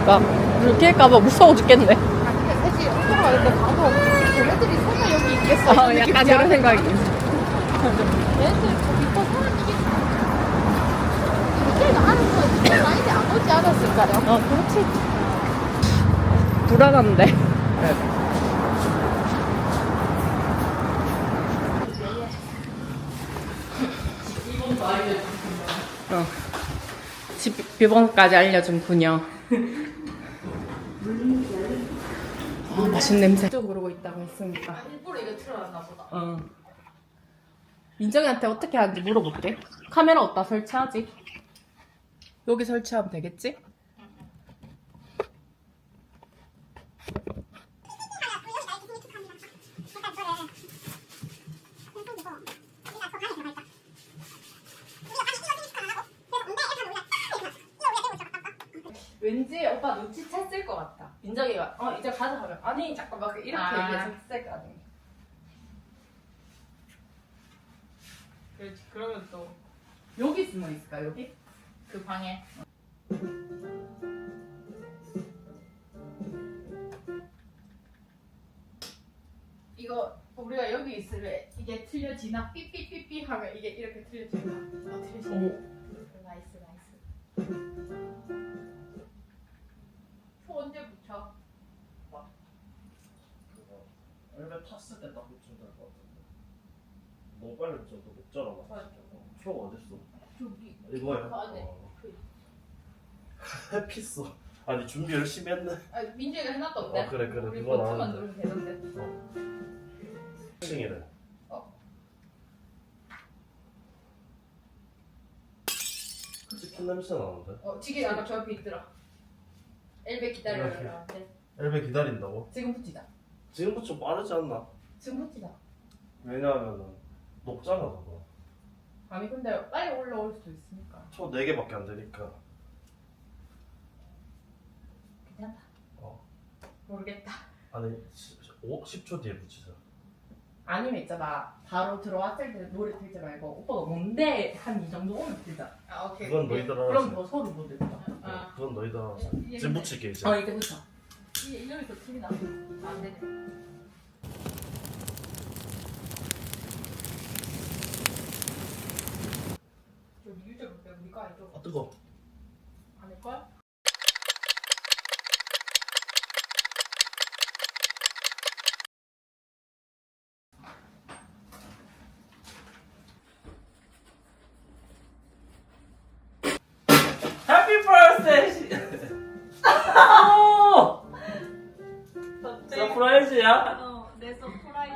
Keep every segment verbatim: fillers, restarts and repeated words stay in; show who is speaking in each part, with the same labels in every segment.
Speaker 1: 그러니까 물 낄까봐 무서워 죽겠네.
Speaker 2: 아 근데 사실 들어가는데 가도 걔네들이 설마 여기 있겠어?
Speaker 1: 어, 약간 이런 생각이.
Speaker 2: 얘네들 저 밑에 사람이겠지. 호텔가 하는 거 많이 안 오지 않았을까요?
Speaker 1: 어, 그렇지. 불안한데. 어. 집 비번까지 알려준 그녀. 아, 맛있는 냄새. 또 그러고 있다고 했으니까.
Speaker 2: 일부러 이거 틀어놨나 보다.
Speaker 1: 어. 민정이한테 어떻게 하는지 물어볼게. 카메라 어디다 설치하지? 여기 설치하면 되겠지? 왠지 오빠 눈치챘을 것 같아. 민정이가 어 이제 가자 하면 아니 잠깐 막 이렇게
Speaker 2: 아.
Speaker 1: 얘기했을 거 아니야.
Speaker 2: 그렇지. 그러면 또 그
Speaker 1: 여기 숨어 있을까 여기?
Speaker 2: 방에 이거 우리가 여기 있으면 이게 틀려지나 삐삐삐삐 하면 이게 이렇게 틀려지나? 어 틀려지나?
Speaker 1: 오.
Speaker 2: 나이스 나이스. 초 언제 붙여?
Speaker 3: 엘베 탔을 때 딱 붙이면 될 것 같은데. 너무 빨리 붙여도 못 자라 맞아. 초가 어딨어?
Speaker 2: 저기
Speaker 3: 이거야.
Speaker 2: 그 안에.
Speaker 3: 어. 해피어. 아니 준비 열심히 했네.
Speaker 2: 아 민재가 해놨던데?
Speaker 3: 어, 그래, 그래.
Speaker 2: 우리
Speaker 3: 그거
Speaker 2: 버튼만
Speaker 3: 나왔는데.
Speaker 2: 누르면 되던데.
Speaker 3: 어. 싱이래.
Speaker 2: 어.
Speaker 3: 치킨 냄새 나는데?
Speaker 2: 어 지게 아까 저 앞에 있더라. 엘베 기다려라. 네.
Speaker 3: 엘베 기다린다고?
Speaker 2: 지금 붙이자.
Speaker 3: 지금부터 좀 빠르지 않나?
Speaker 2: 지금 붙이자.
Speaker 3: 왜냐하면은 녹잖아 그거.
Speaker 2: 아니 근데 빨리 올라올 수도 있으니까.
Speaker 3: 초 네 개밖에 안 되니까.
Speaker 2: 괜찮다.
Speaker 3: 어.
Speaker 2: 모르겠다.
Speaker 3: 아니 오, 십 초 뒤에 붙이자.
Speaker 1: 아니면 있잖아 바로 들어왔을 때 노래 틀지 말고 오빠가 뭔데 한 이 정도 오면 틀자.
Speaker 2: 아 오케이.
Speaker 3: 그건 너희들 알아서.
Speaker 1: 그럼 더 소리 못 듣다.
Speaker 2: 아.
Speaker 3: 어, 그건 너희들 알아서.
Speaker 2: 예,
Speaker 3: 지금
Speaker 2: 예.
Speaker 3: 붙일게 이제.
Speaker 1: 어 이제 붙여.
Speaker 2: 이 여기서 틀이 나. 안 되네. 저 유저 볼게 우리가 아니죠?
Speaker 3: 아 뜨거.
Speaker 2: 아닐걸?
Speaker 3: 해피 버스데이. 오! 서프라이즈야?
Speaker 2: 어, 내 서프라이즈.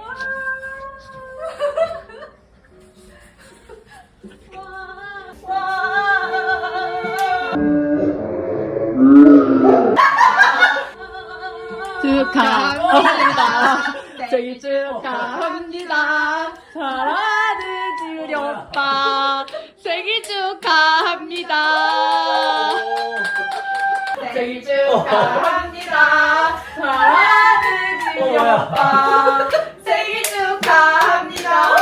Speaker 1: 축하합니다. 생일 축하합니다. 사랑하는 우리 오빠 생일 축하합니다. 생일 축하합니다. 사랑하는 우리 오빠 생일 축하합니다.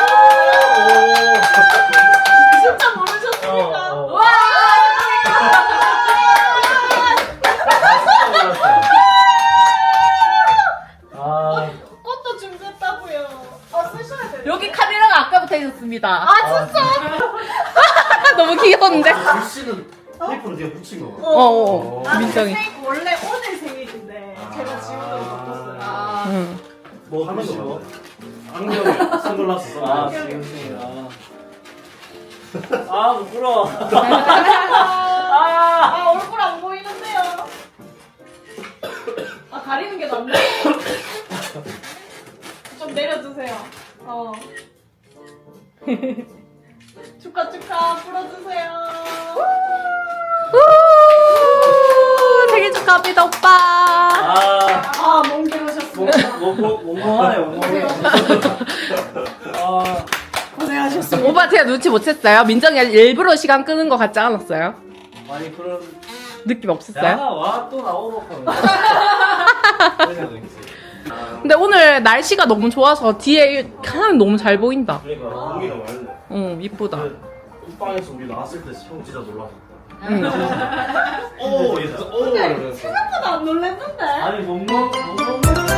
Speaker 1: 진짜 모르셨습니까?
Speaker 3: 어, 어.
Speaker 1: 와!
Speaker 3: 아,
Speaker 2: 꽃도 준비했다고요. 아 쓰셔야 돼요.
Speaker 1: 여기 카메라가 아까부터 있었습니다.
Speaker 2: 아 진짜?
Speaker 1: 너무 귀여운데?
Speaker 3: 글씨는 테이프로 네가 붙인 거.
Speaker 1: 어, 어.
Speaker 3: 어.
Speaker 1: 민정이.
Speaker 2: 원래 오늘 생일인데 제가 지금도 바꿨어요. 아.
Speaker 1: 응.
Speaker 3: 뭐 하는 거 뭐? 안경에 선글라스 써.
Speaker 4: 아,
Speaker 2: 안경에.
Speaker 4: 지금 아. 아, 부끄러워.
Speaker 2: 아, 아 얼굴 안 보이는데요. 아 가리는 게 낫네. 좀 내려주세요. 어. 축하 축하 불어주세요.
Speaker 1: 우! 생일 축하합니다, 오빠.
Speaker 4: 아,
Speaker 2: 아 멍게 오셨습니다.
Speaker 4: 몽롱하네, 몽롱해. 아,
Speaker 2: 고생하셨습니다.
Speaker 1: 오빠 제가 눈치 못 챘어요? 민정이가 일부러 시간 끄는 거 같지 않았어요?
Speaker 4: 아니, 그런.
Speaker 1: 느낌
Speaker 4: 야,
Speaker 1: 없었어요?
Speaker 4: 와, 또 나오고 하면. 그냥 있지. 아,
Speaker 1: 근데 오늘 날씨가 너무 좋아서 뒤에 하늘 너무 잘 보인다.
Speaker 3: 그러니까 공기가 맑네.
Speaker 1: 응, 이쁘다.
Speaker 3: 이 방에서 우리 나왔을 때 형 진짜 놀랐었다.
Speaker 4: 오, 얘, 오, 이러면서.
Speaker 1: 생각보다 안 놀랬는데?
Speaker 4: 아니 못 먹, 못 먹는